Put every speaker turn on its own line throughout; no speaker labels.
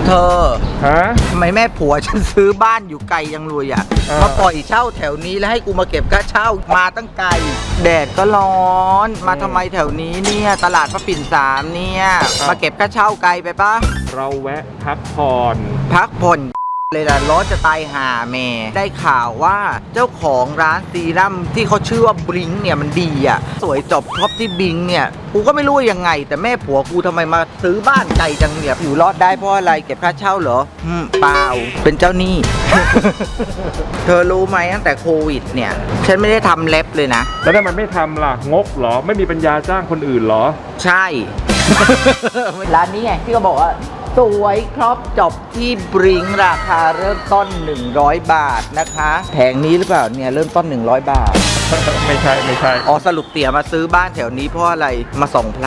เธอ
ฮะ
ทำไมแม่ผัวฉันซื้อบ้านอยู่ไกลยังเลยอ่ะมาปล่อยเช่าแถวนี้แล้วให้กูมาเก็บค่าเช่ามาตั้งไกลแดดก็ร้อนมาทำไมแถวนี้เนี่ยตลาดพระปิ่น3เนี่ยมาเก็บค่าเช่าไกลไปปะ
เราแวะพักผ่อน
พักผ่อนเลยล่ะร้อนจะตายห่าแม่ได้ข่าวว่าเจ้าของร้านซีรั่มที่เขาชื่อว่าบลิงเนี่ยมันดีอ่ะสวยจบท็อปที่บิงเนี่ยกูก็ไม่รู้ยังไงแต่แม่ผัวกูทำไมมาซื้อบ้านไกลจังเนี่ยอยู่รอดได้เพราะอะไรเก็บค่าเช่าเหรอเปล่าเป็นเจ้าหนี้ เธอรู้ไหมตั้งแต่โควิดเนี่ยฉันไม่ได้ทำเล็บเลยนะ
แล้วทำไมไม่ทำล่ะงกเหรอไม่มีปัญญาจ้างคนอื่นเหรอ
ใช่ ร้านนี้ไงที่เขาบอกว่าสวยครบจบที่บริงราคาเริ่มต้น100 บาทนะคะแผงนี้หรือเปล่าเนี่ยเริ่มต้น100 บาท
ไม่ใช่ไม่ใช่
อ๋อสรุปเตี่ยมาซื้อบ้านแถวนี้เพราะอะไรมาส่องพระ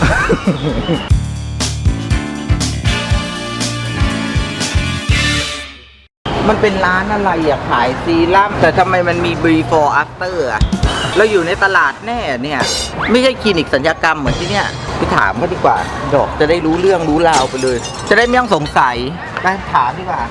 มันเป็นร้านอะไรอะขายซีรั่มแต่ทำไมมันมี before after อะเราอยู่ในตลาดแน่เนี่ยไม่ใช่คลินิกศัลยกรรมเหมือนที่เนี่ยไปถามเขาดีกว่าดอกจะได้รู้เรื่องรู้ราวไปเลย จะได้ไม่ต้องสงสัยไปถามดีกว่า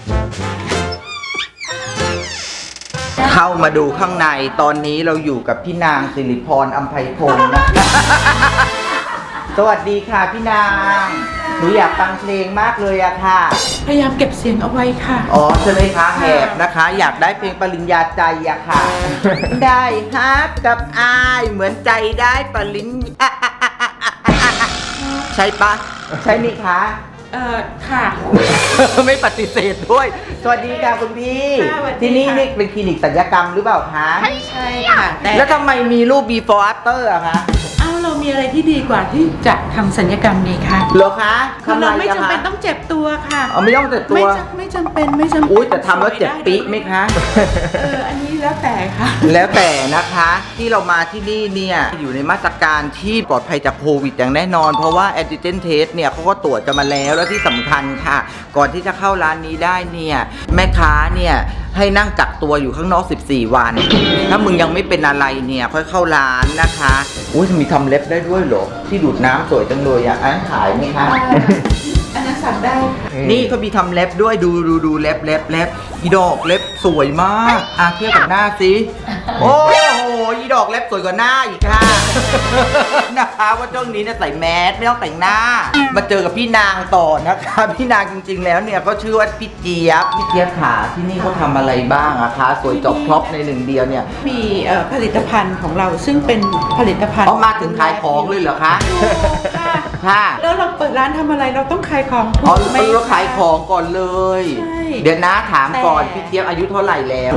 เข้ามาดูข้างในตอนนี้เราอยู่กับพี่นางสิริพรอัมไพพงศ์นะ สวัสดีค่ะพี่นางหนูอยากฟังเพลงมากเลยอะค่ะ
พยายามเก็บเสียงเอาไว้ค่ะ
อ๋อใช่ไหมคะแหบนะคะ อยากได้เพลงปริญญาใจอะค่ะ ได้ฮักกับอายเหมือนใจได้ปริญญาใช่ปะใช่ไหมคะ
ค่ะ
ไม่ปฏิเสธด้วย สวัสดีค่ะคุณพี่
ค่ะสวัสดีค่ะ
ที่นี่นี่เป็นคลินิกศัลยกรรมหรือเปล่าคะ
ใช่ค่ะแต่
แล้วทำไมมีรูป before after อะคะ
เรามีอะไรที่ดีกว่าที่จะทำศัลยกรรมดีคะ
เหรอคะ
คือเราไม่
ทำ
จำ
อะ
เป็น
คะ
ต้องเจ็บตัวค่ะ
เอาไม่ต้องเจ็บตัว
ไม่จำเป็นไม่จำเป็น
อุ้ยแต่ทำแล้วเจ็บปี๊ไหมคะ
อันนี้แล้วแต่ค่ะ
แล้วแต่นะคะที่เรามาที่นี่เนี่ยอยู่ในมาตรการที่ปลอดภัยจากโควิดอย่างแน่นอน เพราะว่าแอนติเจนเทสเนี่ยเขาก็ตรวจกันมาแล้วและที่สำคัญค่ะ ก่อนที่จะเข้าร้านนี้ได้เนี่ยแม่ค้าเนี่ยให้นั่งกักตัวอยู่ข้างนอก14 วัน ถ้ามึงยังไม่เป็นอะไรเนี่ยค่อยเข้าร้านนะคะอุ้ยมีทำเล็บได้ด้วยเหรอที่ดูดน้ำสวยจังเลยอ่ะอันนั้นขายไหมคะ
อันนั้นสั่งได้
นี่เขามีทำเล็บด้วยดูเล็บอีดอกเล็บสวยมากเทียบกับหน้าสิโอ้โหอีดอกเล็บสวยกว่าหน้าอีกค่ะ นะคะว่าช่วงนี้เนี่ยใส่แมสไม่ต้องแต่งหน้า มาเจอกับพี่นางต่อนะคะพี่นางจริงๆแล้วเนี่ยก็ชื่อว่าพี่เจี๊ยบขาที่นี่เขาทำอะไรบ้างอะคะสวยจบครบในหนึ่งเดียวเนี่ย
มีผลิตภัณฑ์ของเราซึ่งเป็นผลิตภัณฑ์
เอามาถึงขายของเลยเหรอคะค่ะ
แล้วเราเปิดร้านทำอะไรเราต้องขายของ
อ๋อ
ถูกไหม
เราขายของก่อนเลย
ใช่
เดี๋ยวนะถามก่อน
แต่
พี่เจี๊ยบอายุเท่าไหร่แล้ว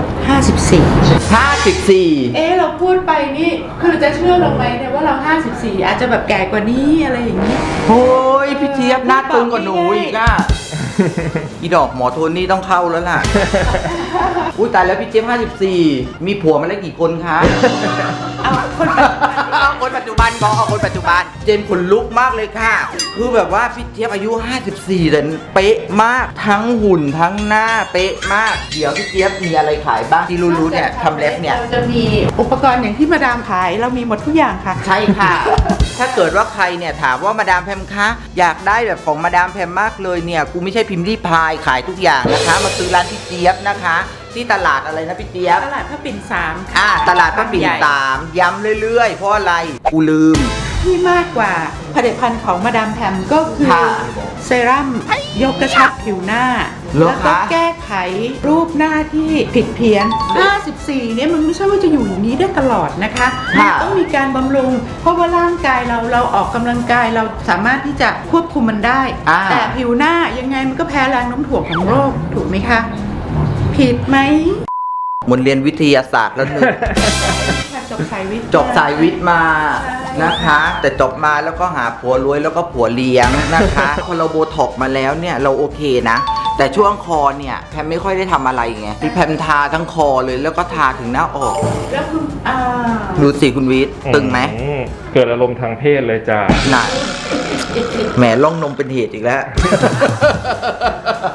54
54
เราพูดไปนี่คือจะเชื่อลงไหมเนี่ยว่าเรา 54 อาจจะแบบแก่กว่านี้อะไรอย่างนี้
โอ้ยพี่เจี๊ยบหน้าตึงกว่าหนูอีกอ่ะ อีดอกหมอโทนี่ต้องเข้าแล้วล่ะ อุ้ยตายแล้วพี่เจี๊ยบ54 มีผัวมาแล้วกี่คนคะ
เอาคนปัจจุบัน
เอาคนปัจจุบัน เจนขนลุกมากเลยค่ะ คือแบบว่าพี่เจี๊ยบอายุ 54แต่เป๊ะมาก ทั้งหุ่นทั้งหน้าเป๊ะมาก เดี๋ยวพี่เจี๊ยบมีอะไรขายบ้างที่รู้ๆเนี่ยทำเล็บเนี่ย
เราจะมีอุปกรณ์อย่างที่มาดามขายเรามีหมดทุกอย่างค่ะ
ใช่ค่ะ ถ้าเกิดว่าใครเนี่ยถามว่ามาดามแพมคะอยากได้แบบของมาดามแพมมากเลยเนี่ยกูไม่ใช่พิมพ์รีพายขายทุกอย่างนะคะ มาซื้อร้านพี่เจี๊ยบนะคะ ที่ตลาดอะไรนะพี่เจี๊ยบ
ตลาดพระปิ่น3
ตลาดพระปิ่น3ย้ำเรื่อยๆ เพราะอะไรกูลืม
ที่มากกว่าผลิตภัณฑ์ของมาดามแพมก็คือ
ค่ะ
เซรั่มยกกระชับผิวหน้า
เหรอ
แล้วก็
คะ
แก้ไขรูปหน้าที่ผิดเพี้ยน 54 เนี่ยมันไม่ใช่ว่าจะอยู่อย่างนี้ได้ตลอดนะคะมันต้องมีการบำรุง เพราะว่าร่างกายเราออกกำลังกายเราสามารถที่จะควบคุมมันได้ แต่ผิวหน้ายังไงมันก็แพ้แรงโน้มถ่วงของโรคถูกไหมคะ ผิดไหม
หมดเรียนวิทยาศาสตร์แล้วหนึ่ง
จบสายวิทย์
จบสายวิทย์มานะคะ แต่จบมาแล้วก็หาผัวรวยแล้วก็ผัวเลี้ยงนะคะ พอเราโบท็อกมาแล้วเนี่ยเราโอเคนะ แต่ช่วงคอเนี่ยแพมไม่ค่อยได้ทำอะไรไงที่แพมทาทั้งคอเลยแล้วก็ทาถึงหน้าอก
แล้วคุณ
ดูสิคุณวิทย์ตึงไหม
เกิดอารมณ์ทางเพศเลยจ้า
น่ะแหมล่องนมเป็นเหตุอีกแล้ว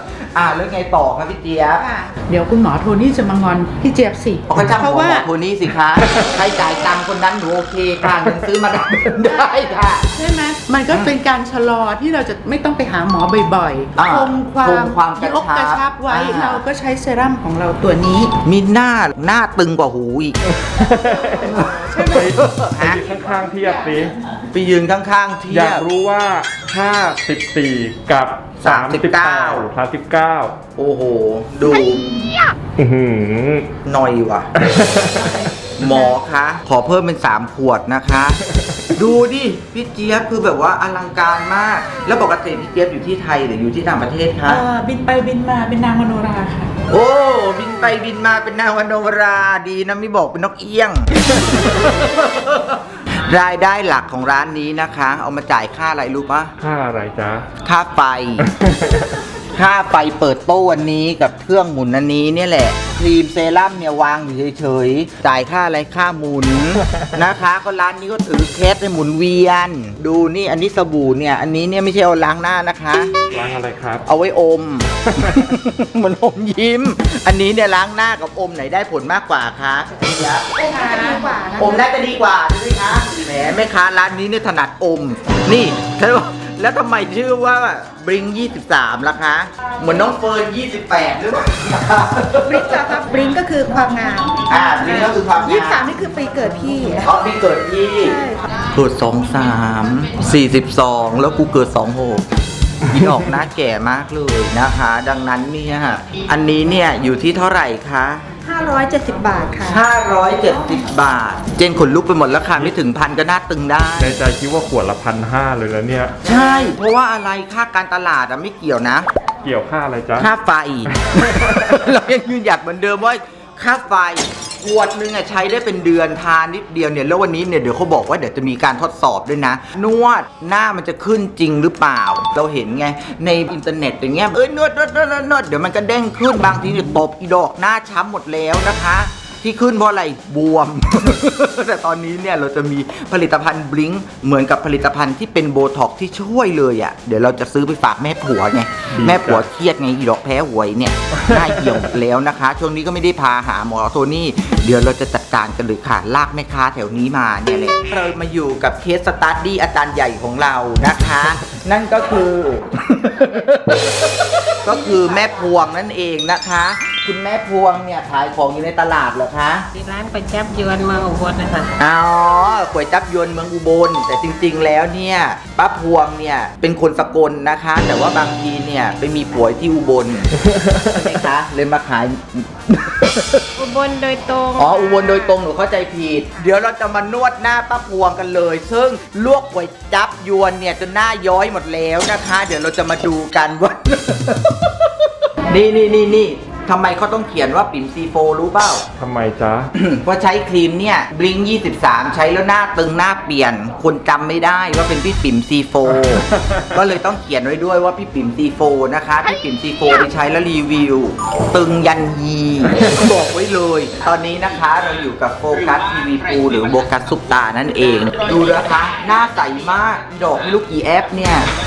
แล้วไงต่อครับพี่เจี๊ยบ
เดี๋ยวคุณหมอโทนี่จะมางอนพี่เจี๊ยบสิ
ก็จ้าง
เพราะ
หม
ว่า
อโทนี่สิคะใครจ่ายตังค์คนนั้นหนูโอเคค่ะเงินซื้อมาได้ค่ะ
ใช่ไหมมันก็เป็นการชะลอที่เราจะไม่ต้องไปหาหมอบ่อย
อ่า
ๆคงความ
คงความกระชับ
กระชับไว้
อ่า
เราก็ใช้เซรั่มของเราตัวนี้
มีหน้าตึงกว่าหูอีก
ใช่ไหม
ไปยืนข้างๆเทียบสิ
ไปยืนข้างๆเที
อย ยาก
บ
รู้ว่า 54 กับ 39 39
โอ้โห ดู
อื้อหือ
หน่อยว่ะ หมอคะ ขอเพิ่มเป็น3 ขวดนะคะ ดูดิ พี่เจี๊ยบคือแบบว่าอลังการมาก แล้วปกติพี่เจี๊ยบอยู่ที่ไทยหรืออยู่ที่ต่างประเทศคะ
บินไปบินมาเป็นนางมโนราค่ะ
โอ้ บินไปบินมาเป็นนางวโนราดีนะไม่บอกเป็นนกเอี้ยง รายได้หลักของร้านนี้นะคะ เอามาจ่ายค่าอะไรรู้ปะ
ค่าอะไรจ๊ะ
ค่าไฟ ค่าไฟเปิดโต๊ะวันนี้กับเครื่องหมุนอันนี้เนี่ยแหละ ครีมเซรั่มเนี่ยวางอยู่เฉยๆ จ่ายค่าอะไรค่าหมุน นะคะ ก็ร้านนี้ก็ถือเคสให้หมุนเวียน ดูนี่อันนี้สบู่เนี่ย อันนี้เนี่ยไม่ใช่เอาล้างหน้านะคะ
ร้านอะไรครับ
เอาไว้อม เหมือนอมยิ้ม อันนี้เนี่ยล้างหน้ากับอมไหนได้ผลมากกว่าคะอมน่าจะดีกว่าใช่ไหมคะแหมแม่ค้าร้านนี้เนี่ยถนัดอม นี่แล้วทำไมชื่อว่าบริง23ล่ะคะ เหมือนน้องเฟิร์น28หรือเปล่า
บลิงก์เหรอครับบลิงก์ก็คือความงาม
บริงก็คือความงาม
23นี่คือปีเกิดพี่
อ๋อพี่เกิดที่
ใช่ค่ะ
เกิด23 42 แล้วกูเกิด26พี่ออกหน้าแก่มากเลยนะคะ ดังนั้นเนี่ยอันนี้เนี่ยอยู่ที่เท่าไหร่คะ
570 บาทค่ะ
570 บาท เจนขนลุกไปหมดแล้วค่ะไม่ถึงพันก็น่าตึงได้
ในใจคิดว่าขวดละ1,500เลยแล้วเนี่ย
ใช่ เพราะว่าอะไรค่าการตลาดอะไม่เกี่ยวนะ
เกี่ยวค่าอะไรจ๊ะ
ค่าไฟ เรายังยืนหยัดเหมือนเดิมว่าค่าไฟขวดนึงอะใช้ได้เป็นเดือนทานนิดเดียวเนี่ยแล้ววันนี้เนี่ยเดี๋ยวเขาบอกว่าเดี๋ยวจะมีการทดสอบด้วยนะ นวดหน้ามันจะขึ้นจริงหรือเปล่า เราเห็นไงในอินเทอร์เน็ตอย่างเงี้ยนวดเดี๋ยวมันก็เด้งขึ้นบางทีเนี่ยตบอีดอกหน้าช้ำหมดแล้วนะคะ ที่ขึ้นเพราะอะไรบวม แต่ตอนนี้เนี่ยเราจะมีผลิตภัณฑ์บลิงเหมือนกับผลิตภัณฑ์ที่เป็นโบท็อกที่ช่วยเลยอ่ะเดี๋ยวเราจะซื้อไปฝากแม่ผัวไง แม่ผัวเครียดไงอีดอกแพ้หวยเนี่ยหน้าเหี่ยวหมดแล้วนะคะ ช่วงนี้ก็ไม่ได้พาหาหมอโทนี่เดี๋ยวเราจะจัดการกันเลยค่ะลากแม่ค้าแถวนี้มาเนี่ยแหละเรามาอยู่กับเคสสตั๊ดดี้อาจารย์ใหญ่ของเรานะคะ นั่นก็คือ ก็คือแม่พวงนั่นเองนะคะ คุณแม่พวงเนี่ยขายของอยู่ในตลาดเหรอคะ
ร้านก๋วยจั๊บยวนเมืองอุบลนะคะ
อ๋อก๋วยจั๊บยวนเมืองอุบลแต่จริงๆแล้วเนี่ยป้าพวงเนี่ยเป็นคนสกลนะคะ แต่ว่าบางทีเนี่ยไปมีผัวที่อุบลใช่ไหมคะเลยมาขาย
อุบลโดยตรง
อ๋ออุบลโดยตรงหนูเข้าใจผิดเดี๋ยวเราจะมานวดหน้าป้าพวงกันเลย ซึ่งลวกก๋วยจั๊บยวนเนี่ยจนหน้าย้อยหมดแล้วนะคะ เดี๋ยวเราจะมาดูกันว่า นี่ทำไมเขาต้องเขียนว่าปิ่มซีโฟรู้เปล่า
ทำไมจ๊ะ
ว่าใช้ครีมเนี่ยบลิง23 ใช้แล้วหน้าตึงหน้าเปลี่ยน คนจำไม่ได้ว่าเป็นพี่ปิ่มซีโฟ ก็เลยต้องเขียนไว้ด้วยว่าพี่ปิ่มซีโฟนะคะพี่ปิ่มซีโฟไปใช้แล้วรีวิว ตึงยันยีบอกไว้เลย ตอนนี้นะคะเราอยู่กับโฟกัสทีวีปูหรือโฟกัสซุปตานั่นเอง ดูนะคะ หน้าใสมากดอกไม่รู้กี่แอปเนี่ย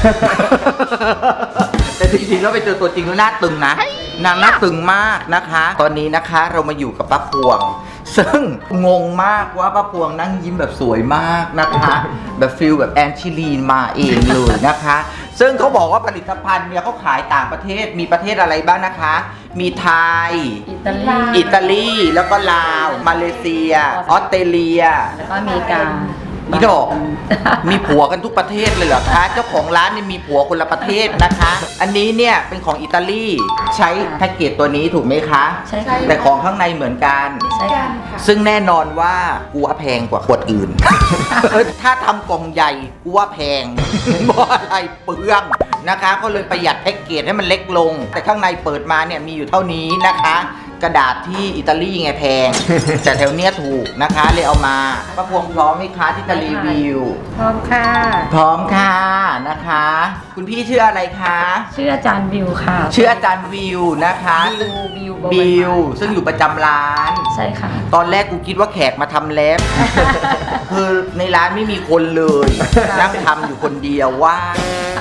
แต่จริงๆแล้วไปเจอตัวจริงแล้วหน้าตึงนะนางหน้าตึงมากนะคะ ตอนนี้นะคะเรามาอยู่กับป้าพวง ซึ่งงงมากว่าป้าพวงนั่งยิ้มแบบสวยมากนะคะ แบบฟิลแบบแอนชิลีนมาเองเลยนะคะ ซึ่งเขาบอกว่าผลิตภัณฑ์เนี่ยเขาขายต่างประเทศมีประเทศอะไรบ้างนะคะ มีไทย อิตาลีแล้วก็ลาวมาเลเซียออสเตรเลีย
แล้วก็อเมริกา
นี่ดอก มีผัวกันทุกประเทศเลยเหรอคะ เจ้าของร้านนี่มีผัวคนละประเทศนะคะ อันนี้เนี่ยเป็นของอิตาลีใช้แพ็กเกจตัวนี้ถูกไหมคะ
ใช่ค่ะ
แต่ของข้างในเหมือนกัน
ใช่ค่ะ
ซึ่งแน่นอนว่ากูว่าแพงกว่าขวดอื่น ถ้าทำกล่องใหญ่กูว่าแพง เพราะอะไรเปลืองนะคะ ก็เลยประหยัดแพ็กเกจให้มันเล็กลง แต่ข้างในเปิดมาเนี่ยมีอยู่เท่านี้นะคะ กระดาษที่อิตาลีไงแพง แต่แถวเนี้ยถูกนะคะเลยเอามาป้าพวงพร้อมไหมคะที่จะรีวิว
พร้อมค่ะ
พร้อมค่ะนะคะ คุณพี่ชื่ออะไรคะ
ชื่ออาจารย์วิวค่ะ
ชื่ออาจารย์วิวนะคะ
บิว
บิวซึ่งอยู่ประจำร้าน
ใช่ค่ะ
ตอนแรกกูคิดว่าแขกมาทำเล็บ คือในร้านไม่มีคนเลยนั่งทำอยู่คนเดียวว่าง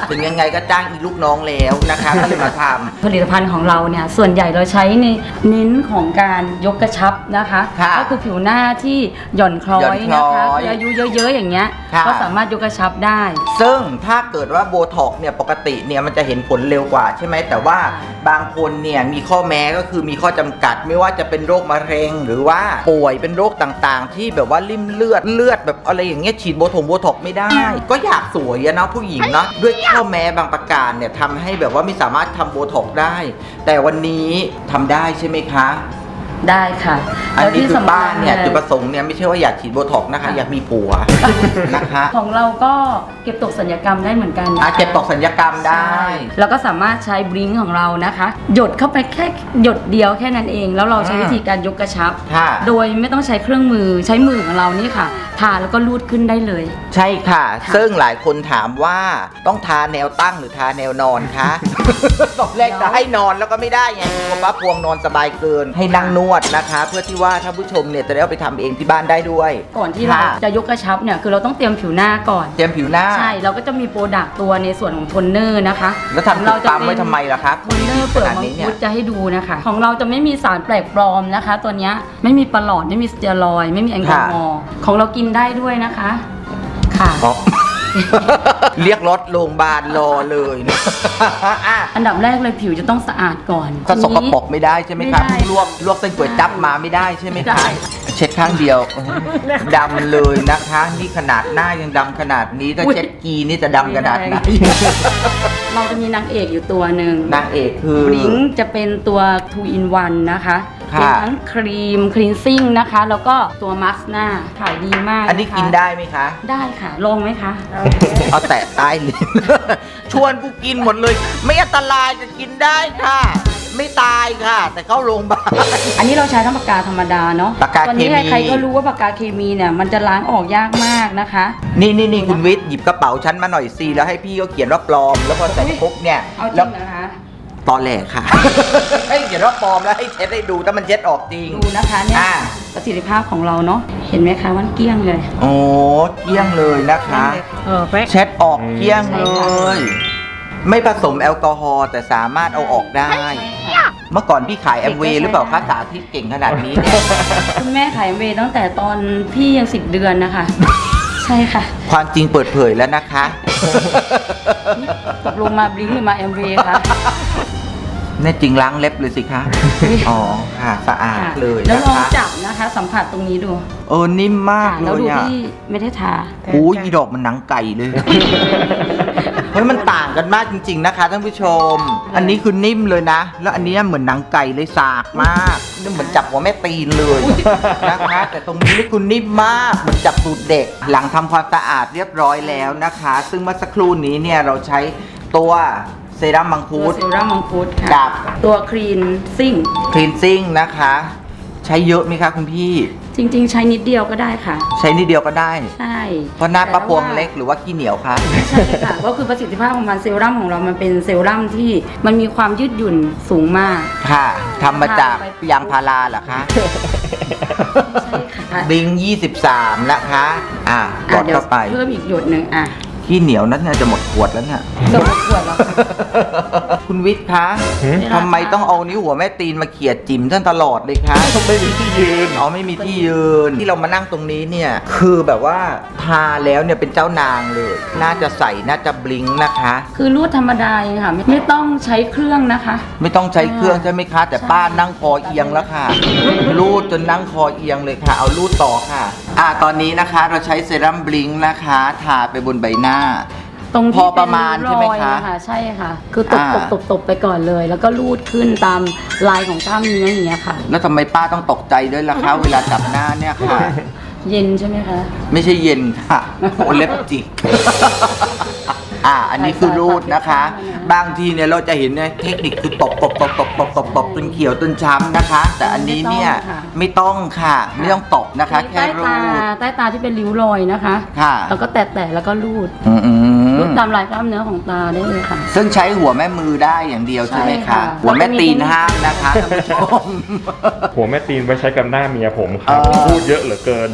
ถึงยังไงก็จ้างอีลูกน้องแล้วนะคะก็เลยมาทำ
ผลิตภัณฑ์ของเราเนี่ยส่วนใหญ่เราใช้ในเน้นของการยกกระชับนะคะ
ค่ะ
ก็คือผิวหน้าที่หย่อนคล้อยนะคะ
หย่อนคล้อย
คืออายุเยอะๆอย่างเงี้ย
ค่ะ
ก็สามารถยกกระชับได้
ซึ่งถ้าเกิดว่าโบท็อกซ์เนี่ยปกติเนี่ยมันจะเห็นผลเร็วกว่าใช่ไหมแต่ว่าบางคนเนี่ยมีข้อแม้ก็คือมีข้อจำกัดไม่ว่าจะเป็นโรคมะเร็ง หรือว่าป่วยเป็นโรคต่างๆ ที่แบบว่าริ่มเลือดแบบอะไรอย่างเงี้ยฉีดโบท็อกซ์ไม่ได้ ก็อยากสวยอะนะผู้หญิงเนาะด้วยข้อแม้บางประการเนี่ยทำให้แบบว่าไม่สามารถทำโบท็อกซ์ได้ แต่วันนี้ทำได้ใช่ไหมคะ
ได้ค่ะ
อันนี้คือบ้านเนี่ย
แล้ว
จุด
ที่
ประสงค์เนี่ยไม่ใช่ว่าอยากฉีดโบท็อกซ์นะคะอยากมีผัวนะคะ
ของเราก็เก็บตกสัญญกรรมได้เหมือนกันนะคะ
เก็บตกสัญญกรรมได้
ใช่แล้วก็สามารถใช้บลิงก์ของเรานะคะ หยดเข้าไปแค่หยดเดียวแค่นั้นเอง แล้วเราใช้วิธีการยกกระชับ
ค่ะ
โดยไม่ต้องใช้เครื่องมือใช้มือของเรานี่ค่ะ ทาแล้วก็ลูดขึ้นได้เลย
ใช่ค่ะ
ค่ะ
ซึ่งหลายคนถามว่าต้องทาแนวตั้งหรือทาแนวนอนคะ ตอนแรกจะให้นอนแล้วก็ไม่ได้ไงกลัวป้าพวงนอนสบายเกิน ให้นั่งนวดนะคะ เพื่อที่ว่าถ้าผู้ชมเนี่ยจะได้เอาไปทำเองที่บ้านได้ด้วย
ก่อนที่เรา
ค่ะ
จะยกกระชับเนี่ยคือเราต้องเตรียมผิวหน้าก่อน
เตรียมผิวหน้า
ใช่เราก็จะมีโปรดักต์ตัวในส่วนของโทนเนอร์นะคะ
แล้วทำ
เรา
ติดตามไว้ทำไมล่ะครับ
โทนเนอร์เปลือกมังคุดจะให้ดูนะคะ ของเราจะไม่มีสารแปลกปลอมนะคะ ตัวเนี้ยไม่มีปลอดไม่มีสเตียรอยด์ไม่มีแอลกอฮอล์ของเรากินได้ด้วยนะคะค่ะ
อ๋อ เรียกรถโรงพยาบาลรอเลยนะ อ่ะ
อันดับแรกเลยผิวจะต้องสะอาดก่อน
ก็สก
ทีนี้
ปรกไม่ได้ใช่ไหมครับ
ไม่ได้
ลวกเส้นก๋วยจั๊บมาไม่ได้ใช่ไหม
ได้
คะเช็ดข้างเดียวดำเลยนะคะ นี่ขนาดหน้ายังดำขนาดนี้ถ้าเช็ดกีนี่จะดำขนาดไหน
เราจะมีนางเอกอยู่ตัวหนึ่ง
นางเอกคือบ
ลิงจะเป็นตัว 2 in 1 นะคะ
ค่ะ
เป็นทั้งครีมคลีนซิ่งนะคะ แล้วก็ตัวมาสก์หน้าขายดีมาก
อันนี้
ะคะ
กินได้ไหมคะ
ได้ค่ะ ลองไหมคะ
เอาแตะใต้ลิ้น ชวนกูกินหมดเลย ไม่อันตรายจะกินได้ค่ะ ไม่ตายค่ะ แต่เข้าโรงพยาบาล
อันนี้เราใช้ทั้งปากกาธรรมดาเนาะ
ปากกา
ตอนนี้
เคมี
ใครๆก็รู้ว่าปากกาเคมีเนี่ยมันจะล้างออกยากมากนะคะ
นี่คุณวิทย์หยิบกระเป๋าฉันมาหน่อยสิแล้วให้พี่ก็เขียนว่าปลอม แล้วพอใส่ปุ๊บเนี่ย
เอาจ
แล้
ริ
ว
งนะคะ
ตอนแรกค่ะ ให้เขียนว่าปลอมแล้วให้เช็ดให้ดูถ้ามันเช็ดออกจริง
ดูนะคะเนี่ย
อ่า
ประสิทธิภาพของเราเนาะเห็นไหมคะว่าเกลี้ยงเลย
โอ้เกลี้ยงเลยนะคะ
แป๊ก
เช็ดออกเกลี้ยงเล
ใช่ค่ะ
ย ไม่ผสมแอลกอฮอล์แต่สามารถเอาออกได้ เมื่อก่อนพี่ขายแอมเวย์หรือเปล่าคะสาธิตเก่งขนาดนี้เนี่ย
คุณแม่ขายเวย์ตั้งแต่ตอนพี่ยัง10 เดือนนะคะ ใช่ค่ะ
ความจริงเปิดเผยแล้วนะคะ
ตกลงมาบลิงก์หรือมาแอมเวย์คะ
แน่จริงล้างเล็บเลยสิคะ อ๋อค่ะสะอาดเลย
แล้ว
นะ
ลอง
คะ
จับนะคะ สัมผัสตรงนี้ดู
นิ่มมาก
ค่ะ
เล
แล้วดู
ยอ่ะ
ที่ไม่ได้ทา
โอ้ยอีดอกมันหนังไก่เลย เฮ้ยมันต่างกันมากจริง ๆนะคะท่านผู้ชม อันนี้คือนิ่มเลยนะ แล้วอันนี้เหมือนหนังไก่เลยสากมากนี่เหมือนจับหัวแม่ตีนเลยนะคะ แต่ตรงนี้นี่คุณนิ่มมากเหมือนจับตูดเด็ก หลังทำความสะอาดเรียบร้อยแล้วนะคะ ซึ่งเมื่อสักครู่นี้เนี่ยเราใช้ตัวเซรั่มมัง
ตั
คุ
ว
ด
เซรั่มมังคุดค่ะ
กับ
ตัวครีนซิ่ง
คลีนซิ่งนะคะ ใช้เยอะไหมคะคุณพี่
จริงๆ ใช้นิดเดียวก็ได้ค่ะ
ใช้นิดเดียวก็ได้
ใช่
เพราะหน้าป้าพวงเล็กหรือว่าขี้เหนียวคะ
ใช่ค่ะ ก็คือประสิทธิภาพของมันเซรั่มของเรามันเป็นเซรั่มที่มันมีความยืดหยุ่นสูงมาก
ค่ะทำมาจากยางพาราเหรอคะ
ใช่ค่ะ
บิง23 นะคะ กด
เดี๋ยว
เข้าไป
เพิ่มอีกหยดหนึ่ง
ขี้เหนียวนั้นน่าจะหมดขวดแล้วเนี่ย
เกือบหมดขวดแล้วค่ะ
คุณวิทย์คะ
หืม
ทำไมต้องเอานิ้วหัวแม่ตีนมาเขี่ยจิ๋มท่านตลอดเลยคะ
ไม่มีที่ยืน
ไม่มีที่ยืน ที่เรามานั่งตรงนี้เนี่ย คือแบบว่าทาแล้วเนี่ยเป็นเจ้านางเลย น่าจะใส่น่าจะบลิงนะคะ
คือรูดธรรมดาเองค่ะ ไม่ต้องใช้เครื่องนะคะ
ไม่ต้องใช้เครื่องใช่ไหมคะ แต่ป้านั่งคอเอียงแล้วค่ะ รูดจนนั่งคอเอียงเลยค่ะ เอารูดต่อค่ะ ตอนนี้นะคะเราใช้เซรั่มบลิงนะคะ ทาไปบนใบหน้า
ตรง
พ
ที่
อประมาณ
เป็น
ใช่ไหม
รอย
คะ
นะคะใช่ค่ะ คือตบ
อ่า
ตบไปก่อนเลย แล้วก็รูดขึ้นตามลายของกล้ามเนื้ออย่างเงี้ยค่ะ
แล้วทำไมป้าต้องตกใจด้วยล่ะคะ เวลาจับหน้าเนี่ยค่ะ
เย็นใช่ไหมคะ
ไม่ใช่เย็นค่ะโอเล็บจิก อันนี้คือรูดนะคะ บางทีเนี่ยเราจะเห็นเนี่ยเทคนิคคือตบจนเขียวจนช้ำนะคะ แต่อันนี้เนี่ยไม่ต้องค่ะ ไม่ต้องตบนะคะ แค่
ใต้
รู
ตา
ด
ใต้ตาที่เป็นริ้วรอยนะคะ
ค่ะ
แล้วก็แตะแล้วก็รูด
อืม
รูดตามลายกล้ามเนื้อของตาได้เลยค่ะ
ซึ่งใช้หัวแม่มือได้อย่างเดียวใช่ไหม
ใช่
คะ
ค่ะ
หัวแม่ตีนห้ามนะคะท่านผู้ชม
หัวแม่ตีนไว้ใช้กับหน้าเมียผมค
เอ
รับ
อ
พูดเยอะเหลือเกิน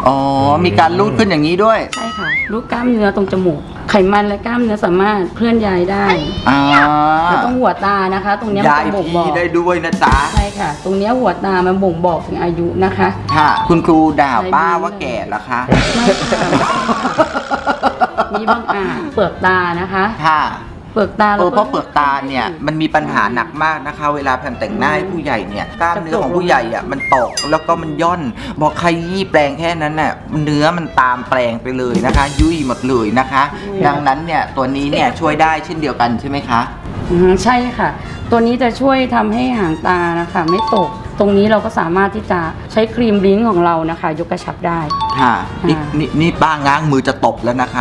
อ๋อ มีการรูดขึ้นอย่างนี้ด้วย
ใช่ค่ะรูปกล้ามเนื้อตรงจมูก ไขมันและกล้ามเนื้อสามารถเคลื่อนย้ายได้
อ่า
แล้วตรงหัวตานะคะ ตรงเนี้ยมัน
ย้าย
จะบ่งบอ
ที่
ก
ได้ด้วยนะจ๊ะ
ใช่ค่ะ ตรงเนี้ยหัวตามันบ่งบอกถึงอายุนะคะ
ค่ะ คุณครูด่าป้าว่าแก่เหรอคะ
ไม่ค่ะมีบางเปลือกตานะคะ
ค่ะ
เปลือกตา
เพราะเปลือกตาเนี่ยมันมีปัญหาหนักมากนะคะ เวลาแผ่นแต่งหน้าให้ผู้ใหญ่เนี่ยกล้ามเนื้อของผู้ใหญ่อ่ะมันตกแล้วก็มันย่อนบอกใครยี่แปลงแค่นั้นน่ะเนื้อมันตามแปลงไปเลยนะคะ ยุ่ยหมดเลยนะคะ ดังนั้นเนี่ยตัวนี้เนี่ยช่วยได้เช่นเดียวกันใช่ไหมคะ
ใช่ค่ะ ตัวนี้จะช่วยทำให้หางตานะคะ ไม่ตก ตรงนี้เราก็สามารถที่จะใช้ครีมบลิ้งของเรานะคะ ยกกระชับได้
ค่ะนี่ป้าง้างมือจะตบแล้วนะคะ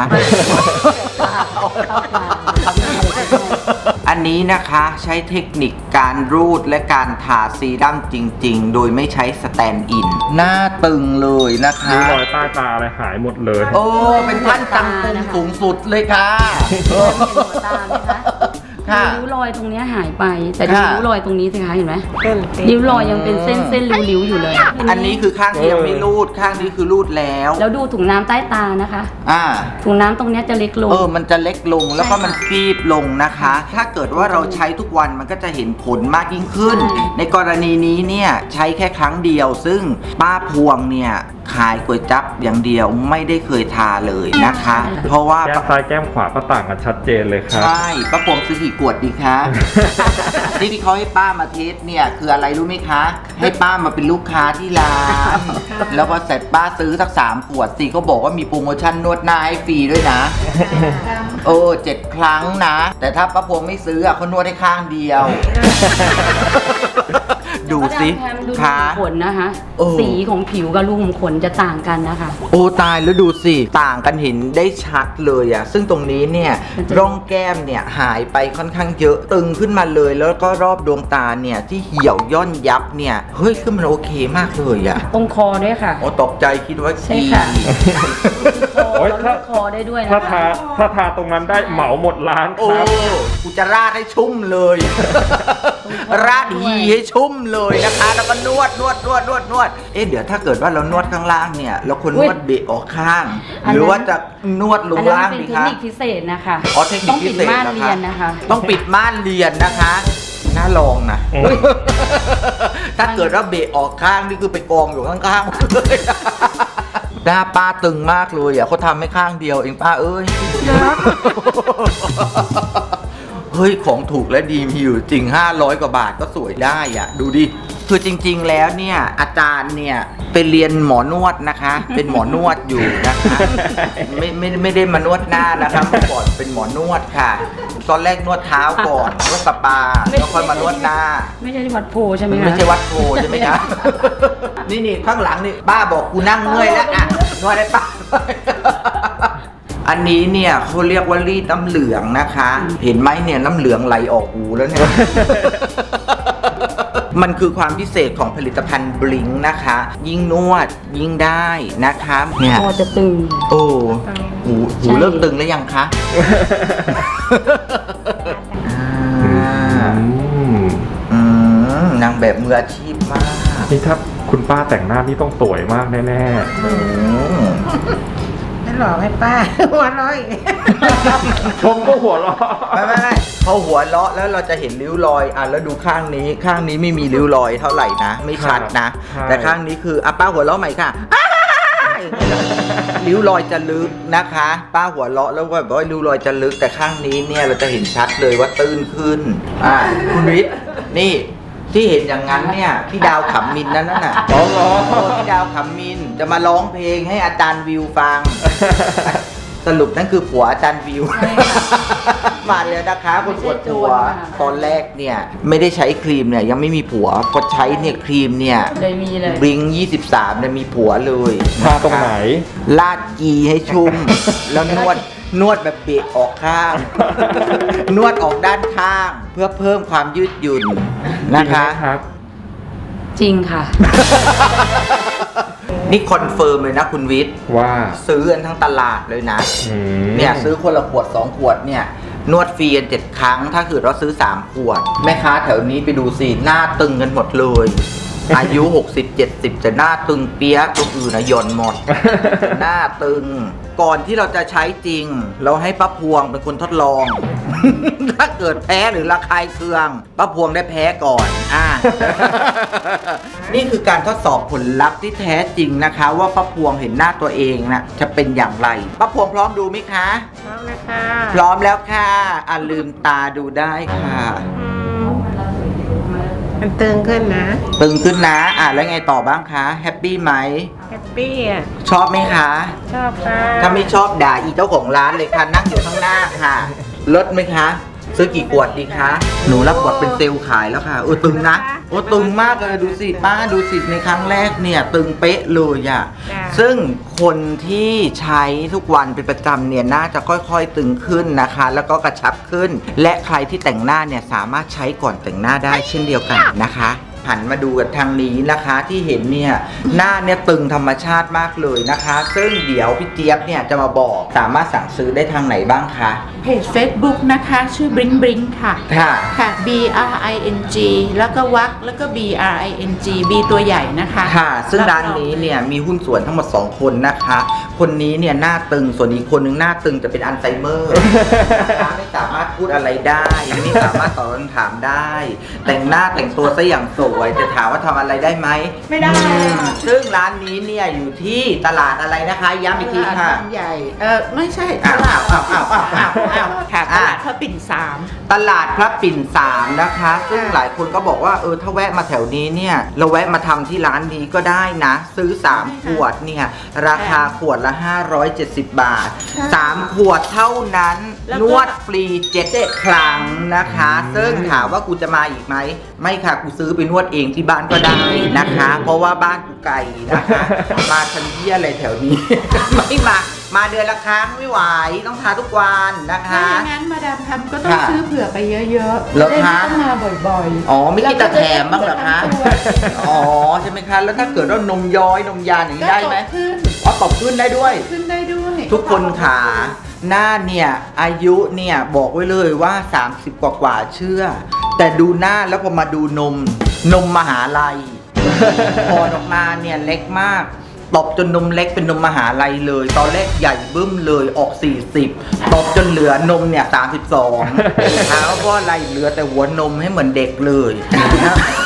อันนี้นะคะใช้เทคนิคการรูดและการทาซีรั่มจริงๆ โดยไม่ใช้สแตนด์อิน หน้าตึงเลยนะคะ
ริ้วรอยใต้ตาอะไรหายหมดเลย
โอ้ เป็นท่านจังกุมสูงสุดเลยค่ะ
หัวตาไหมคะ
ค่ะ
ริ้วรอยตรงเนี้ยหายไป แต่ดู
ค่ะ
ริ้วรอยตรงนี้สิคะเห็นไหม
เส้นติด
ริ้วรอยยังเป็นเส้นริ้วๆอยู่เลย
อันนี้คือข้างที่ยังไม่รูด ข้างนี้คือรูดแล้ว
แล้วดูถุงน้ำใต้ตานะคะ
อ่า
ถุงน้ำตรงเนี้ยจะเล็กลง
มันจะเล็กลงแล้วก็
ใช่ค่ะ
มันฟีบลงนะคะ ถ้าเกิดว่าเราใช้ทุกวันมันก็จะเห็นผลมากยิ่งขึ้น
ใช่
ในกรณีนี้เนี่ยใช้แค่ครั้งเดียว ซึ่งป้าพวงเนี่ยขายก๋วยจั๊บอย่างเดียวไม่ได้เคยทาเลยนะคะ เพราะว่า
แก้มซ้ายแก้มขวาก็ต่างกันชัดเจนเลยครับ
ใช่ป้าพวงซื้อกี่ขวดดีคะ ที่เขาให้ป้ามาเทสเนี่ยคืออะไรรู้ไหมคะ ให้ป้ามาเป็นลูกค้าที่ร้าน แล้วพอเสร็จป้าซื้อสัก3 ขวดสิเขาบอกว่ามีโปรโมชั่นนวดหน้าให้ฟรีด้วยนะ 7 ครั้งนะ แต่ถ้าป้าพวงไม่ซื้อเขานวดให้ข้างเดียว ดูสิ
แพมดู
คะ
ขนนะคะ
โอ้
สีของผิวกับรูขุมขนจะต่างกันนะคะ
โอ้ตายแล้วดูสิ ต่างกันเห็นได้ชัดเลยอะซึ่งตรงนี้เนี่ย
มันจะ
ร่องแก้มเนี่ยหายไปค่อนข้างเยอะตึงขึ้นมาเลย แล้วก็รอบดวงตาเนี่ยที่เหี่ยวย่อนยับเนี่ยเฮ้ยคือมันโอเคมากเลยอะ
ตรงคอด้วยค่ะ
โอ้ตกใจคิดว่า
ใช่ค่ะ
โอ๊ย
เราเลือกคอได้ด้วยนะ
ถ้า
คะ
ทาตรงนั้นได้เหมาหมดร้าน
โอ้
ครับ
กูจะราดให้ชุ่มเลย ราดหีให้ชุ่มเลยนะคะแล้วก็นวดเดี๋ยวถ้าเกิดว่าเรานวดข้างล่างเนี่ยเราควรนวดเบะออกข้าง หรือว่าจะนวดล
อั
ง
นนั้น
ล่าง
เป็น
ดี
เทค
คะ
นิคพิเศษนะคะ
อ๋อเทคนิคพิเศษ
ต้องปิดม่าน
นะคะ
เรียนนะคะ
ต้องปิดม่านเรียนนะคะน่าลองนะ ถ้าเกิดว่าเบะออกข้างนี่คือไปกองอยู่ข้างๆเลยหน้าป้าตึงมากเลยอ่ะเขาทำให้ข้างเดียวเองป้าเอ้ย เฮ้ยของถูกและดีมีอยู่จริง500 กว่าบาทก็สวยได้อ่ะ ดูดิ คือจริงๆแล้วเนี่ยอาจารย์เนี่ยไปเรียนหมอนวดนะคะ เป็นหมอนวดอยู่นะคะ ไม่ได้มานวดหน้านะคะเมื่อก่อนเป็นหมอนวดค่ะ ตอนแรกนวดเท้าก่อนนวดสปาแล้วค่อยมานวดหน้า
ไม่ใช่ที่วัดโพใช่ไหม
มัน
คะ
ไม่ใช่วัดโพใช่ไหมคะ นี่ข้างหลังนี่ป้าบอกกูนั่งเมื่อยแล้วอ่ะนวดได้ป้า อันนี้เนี่ยเขาเรียกว่ารีดน้ำเหลืองนะคะ เห็นไหมเนี่ยน้ำเหลืองไหลออกหูแล้วเนี่ย มันคือความพิเศษของผลิตภัณฑ์บลิงนะคะ ยิ่งนวดยิ่งได้นะคะเนี่ย
คอจะตึง
โอ้หูเริ่มตึงแล้วยังคะ นางแบบมืออาชีพมาก
นี่ถ้าคุณป้าแต่งหน้านี่ต้องสวยมากแน่
นั่นหรอให้ป้า หัวเราะอีก
ๆชมก็หัวเราะ
ไม่เขาหัวเราะแล้วเราจะเห็นริ้วรอยอ่ะแล้วดูข้างนี้ไม่มีริ้วรอยเท่าไหร่นะ ไม่ชัดนะ แต่ข้างนี้คืออ่ะป้าหัวเราะใหม่ค่ะ ริ้วรอยจะลึกนะคะ ป้าหัวเราะแล้วก็แบบว่าริ้วรอยจะลึกแต่ข้างนี้เนี่ยเราจะเห็นชัดเลยว่าตื้นขึ้นคุณวิทย์นี่ที่เห็นอย่างนั้นเนี่ยพี่ดาวขำมินนั่นน่ะ
อ๋อเหรอ
พี่ดาวขำมินจะมาร้องเพลงให้อาจารย์วิวฟัง สรุปนั่นคือผัวอาจารย์วิว
ใช่ค่ะ
มาแล้วนะคะคุณปวดหัว
ไม่ใช่โจรค่ะ
ตอนแรกเนี่ยไม่ได้ใช้ครีมเนี่ยยังไม่มีผัวพอใช้เนี่ยครีมเนี่ย
เลยมีเลย
บลิง23เนี่ยมีผัวเลย
ทาตรงไหน
ลาดกีให้ชุ่ม แล้วนวดแบบเบะออกข้าง นวดออกด้านข้าง เพื่อเพิ่มความยืดหยุ่นนะคะ
จริงไหมครับ
จริงค่ะ
นี่คอนเฟิร์มเลยนะคุณวิทย์
ว่า
ซื้อกันทั้งตลาดเลยนะ
อืม
เนี่ยซื้อคนละขวด2 ขวดเนี่ยนวดฟรีกัน7 ครั้ง ถ้าเกิดเราซื้อ3 ขวด แม่ค้าแถวนี้ไปดูสิหน้าตึงกันหมดเลยอายุ 60-70 จะหน้าตึงเปี้ยะตัวอื่นนะหย่อนหมด หน้าตึง ก่อนที่เราจะใช้จริง เราให้ป้าพวงเป็นคนทดลอง ถ้าเกิดแพ้หรือระคายเคืองป้าพวงได้แพ้ก่อนนี่คือการทดสอบผลลัพธ์ที่แท้จริงนะคะ ว่าป้าพวงเห็นหน้าตัวเองนะจะเป็นอย่างไรป้าพวงพร้อมดูไหมคะ
พร้อมนะคะ
พร้อมแล้วค่ะลืมตาดูได้ค่ะ
มันตึงขึ้นนะ
ตึงขึ้นนะแล้วไงต่อบ้างคะแฮปปี้ไหม
แฮปปี้อ่ะ
ชอบไหมคะ
ชอบค่ะ
ถ้าไม่ชอบด่าอีเจ้าของร้านเลยค่ะนั่งอยู่ข้างหน้าค่ะลดไหมคะ ซื้อกี่ขวดดีคะหนูรับบทเป็นเซลล์ขายแล้วค่ะตึงนะตึงมากเลยดูสิป้าดูสิในครั้งแรกเนี่ยตึงเป๊ะเลยอ่ะซึ่งคนที่ใช้ทุกวันเป็นประจำเนี่ยน่าจะค่อยๆตึงขึ้นนะคะ แล้วก็กระชับขึ้น และใครที่แต่งหน้าเนี่ยสามารถใช้ก่อนแต่งหน้าได้เช่นเดียวกันนะคะหันมาดูกันทางนี้นะคะที่เห็นเนี่ยหน้าเนี่ยตึงธรรมชาติมากเลยนะคะ ซึ่งเดี๋ยวพี่เจี๊ยบเนี่ยจะมาบอกสามารถสั่งซื้อได้ทางไหนบ้างคะ
เพจ Facebook นะคะชื่อ Bring Bring ค่ะ
ค่ะ
ค่ะ BRING แล้วก็วักแล้วก็ BRING B ตัวใหญ่นะคะ
ค่ะซึ่งร้านนี้เนี่ยมีหุ้นส่วนทั้งหมด2คนนะคะคนนี้เนี่ยหน้าตึงส่วนอีกคนนึงหน้าตึงจะเป็นอัลไซเมอร์นะคะไม่สามารถพูดอะไรได้ไม่สามารถตอบคำถามได้ แต่งหน้าแต่งตัวซะอย่างสวยจะถามว่าทำอะไรได้ไหม
ไม่ได้
ซึ่งร้านนี้เนี่ยอยู่ที่ตลาดอะไรนะคะย้ำอีกทีค่ะ
ตลาดบางใหญ่ไม่ใช่ต
อ้าว
ลาด
อ้าวอ้าวอ้าวอ้าวอ้าว
ค่ะตลาดพระปิ่น3
ตลาดพระปิ่น3นะคะ ซึ่งหลายคนก็บอกว่าถ้าแวะมาแถวนี้เนี่ยเราแวะมาทำที่ร้านนี้ก็ได้นะ ซื้อ3ขวดเนี่ยราคาขวดละ570 บาท3ขวดเท่านั้นนวดฟรี7 ครั้งนะคะ ซึ่งถามว่ากูจะมาอีกไหมไม่ค่ะกูซื้อไปนวดเองที่บ้านก็ได้นะคะ เพราะว่าบ้านกูไกลนะคะ มาทันเยี่ยอะไรแถวนี้ ไม่มาเดือนละครั้งไม่ไหวต้องทาทุกวันนะคะ
ถ้าอย่างนั้นมาดามทำก็ต้อง
ค่ะ
ซื้อเผื่อไปเยอะๆ
เหรอ
จะได้
คะ
ไม่ต้องมาบ่อยๆ
อ๋อไม่คิดจะแถมบ้างเหรอคะ
แล้วก็จะได้เผื่อทั้งตัว
อ๋อใช่ไหมคะแล้วถ้าเกิดว่านมย้อยนมยานอย่างนี้ได้ไหม
ก็ตกขึ้น
อ๋อตบขึ้นได้ด้วย
ขึ้นได้ด้วย
ทุกคนขาหน้าเนี่ยอายุเนี่ยบอกไว้เลยว่า 30 กว่าเชื่อ แต่ดูหน้าแล้วพอมาดูนมมหาลัย พอออกมาเนี่ยเล็กมากตบจนนมเล็กเป็นนมมหาลัยเลย ตอนแรกใหญ่บึ้มเลยออก 40ตบจนเหลือนมเนี่ย32ถามว่าเพราะอะไรเหลือแต่หัวนมให้เหมือนเด็กเลยนะ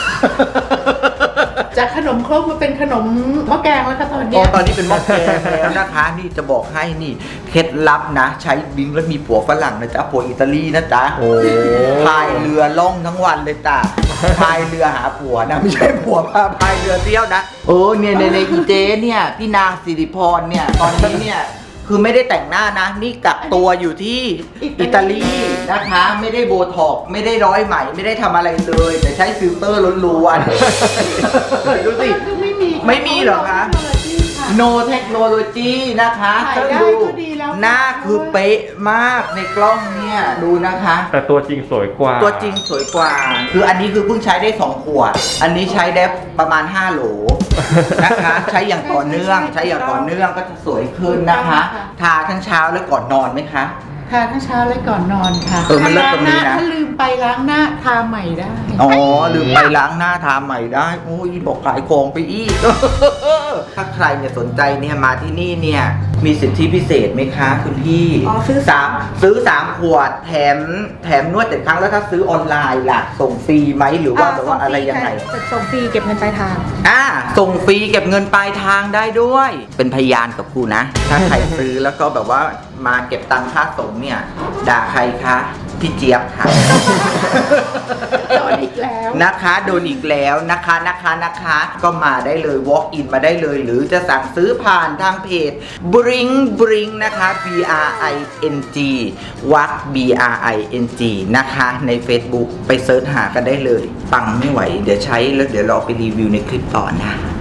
จากขนมครกมาเป็นขนมหม้อแกงแล้วค่ะตอน
อ๋
เนี้
อย ตอนนี้เป็นหม้อแกงแล้วนะคะ นี่จะบอกให้นี่เคล็ดลับนะ ใช้บิงแล้วมีผัวฝรั่งนะจ๊ะผัวอิตาลีนะจ๊ะ
โอ้
พายเรือล่องทั้งวันเลยจ้ะพายเรือหาผัวนะไม่ใช่ผัวพายเรือเที่ยวนะเนี่ยในอีเจเนี่ยพี่นางสิริพรเนี่ยตอนนี้เนี่ยคือไม่ได้แต่งหน้านะนี่กักตัวอยู่ที่อิตาลีนะคะ ไม่ได้โบท็อกซ์ไม่ได้ร้อยไหมไม่ได้ทำอะไรเลย แต่ใช้ฟิลเตอร์ล้วนๆดูสิ ไม่มีเหรอคะ no technology นะคะ
ถ่ายได้
ดู
ก็ดีแล้ว
หน้าคือเป๊ะมากในกล้องเนี่ยดูนะคะ
แต่ตัวจริงสวยกว่า
ตัวจริงสวยกว่า คืออันนี้คือเพิ่งใช้ได้2ขวด อันนี้ใช้ได้ประมาณ5โหลนะคะ ใช้อย่างต่อเนื่องก็จะสวยขึ้นนะคะ ทาทั้งเช้าและก่อนนอนไหมคะ
ทาทั้งเช้าและก่อนนอนค่ะ
มันเลิศตรงนี้นะ
ถ้าลืมไปล้างหน้าทาใหม่ได้
อ๋อลืมไปล้างหน้าทาใหม่ได้โอ้ยบอกขายของไปอีก ถ้าใครเนี่ยสนใจเนี่ยมาที่นี่เนี่ยมีสิทธิพิเศษไหมคะคุณพี่
อ๋อซื้อ
ซื้อ3ขวดแถมนวด7 ครั้งแล้วถ้าซื้อออนไลน์ล่ะส่งฟรีไหมหรือว่าแบบว่าอะไรยังไง
ส่งฟรีเก็บเงินปลายทาง
ส่งฟรีเก็บเงินปลายทางได้ด้วย เป็นพยานกับกูนะ ถ้าใครซื้อแล้วก็แบบว่ามาเก็บตังค่าส่งเนี่ยด่าใครคะพี่เจี๊ยบค่ะ
โดนอีกแล้ว
นะคะโดนอีกแล้วนะคะก็มาได้เลย walk in มาได้เลย หรือจะสั่งซื้อผ่านทางเพจ Bring นะคะ BRING วัก BRING นะคะใน Facebook ไปเซิร์ชหากันได้เลยปังไม่ไหวเดี๋ยวใช้แล้วเดี๋ยวเราไปรีวิวในคลิปต่อนะ